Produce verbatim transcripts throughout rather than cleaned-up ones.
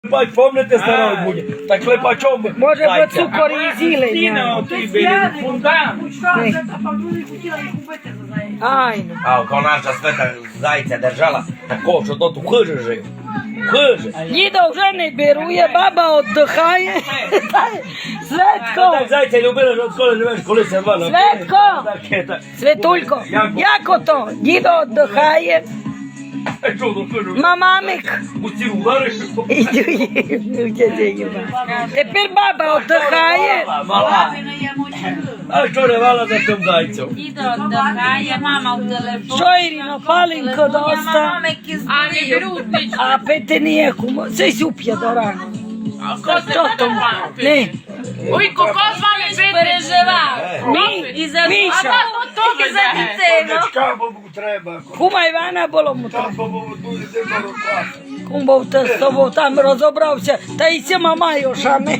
Бать, помните старого буде? Так клепачом. Може би цукор і зілення. Стіна оті біля фундамент. Ай, ну. А kao naša sveta zajica držala, tako što to tu hže živ. Hže. Діда вже не берує, баба віддихає. Светко, Так зайця любила, що коли живеш, коли се два. Светко, Светулько, як ото? Дідо віддихає, мамамик. У ці удариш. Тепер баба віддихає. Мала. А що не вала за тим зайцем? Дідо віддихає, мама в телефон. Що, Ірино, паленько доста? А не беруть нічого. А пити ніякому. Це суп'я до рано. Що тому? Не. Ой, кокос вам не переживав. Мі, І за Міша. А то тільки за дітей. Кабу треба. Кума Івана було му треба. Кабу буде тебе рукати. Кум був те з тобою там розібрався, та й ці мама йошами.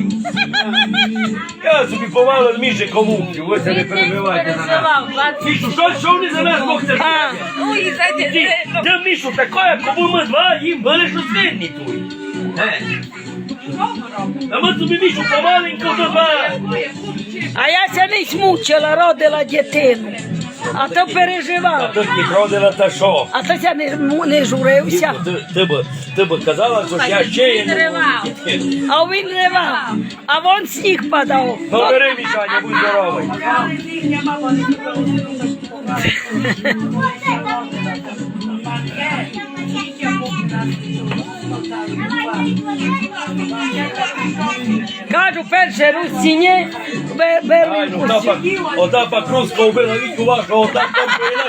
Я собі повалив Міші колумбів, ось не перебивайте на нас. Мішу, що, що вони за нас Бог це? А, Ой, за дітей. Де Мішу, таке, кому ми два, їм були що свинні тут. А ми собі Мішу помаленьку добавили. а я ся не смучила, родила дитину. А то А переживав. тут не родила та що? А то ся не, му- не журився. Ти, ти, б, ти б казала, що я ще є. Він ривав. А він ривав. А вон сніг падав. Ну бери, Мішаня, будь здоровий. Кажу, перше русінє, Ай, беру ну та ота па круска вбила віку вашого, отак там повіла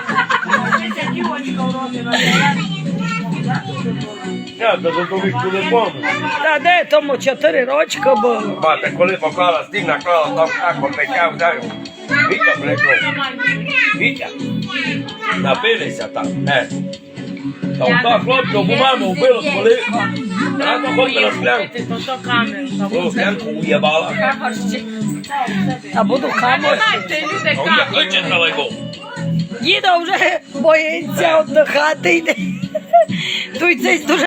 Я та за ту віку не помню. Та де тому чотири рочка було. Мати, коли поклала стіг, наклала там как попечав, даю. Вітя прийшов. Вітя. Напилися там, не. Та ота хлопця в маму вбила, коли рано ходила склянку. То камеру. О, склянку уєбала. А буду камер. Знаєте, люди А я хоче далеко. Діда вже боїться віддихати йде. Тут цей дуже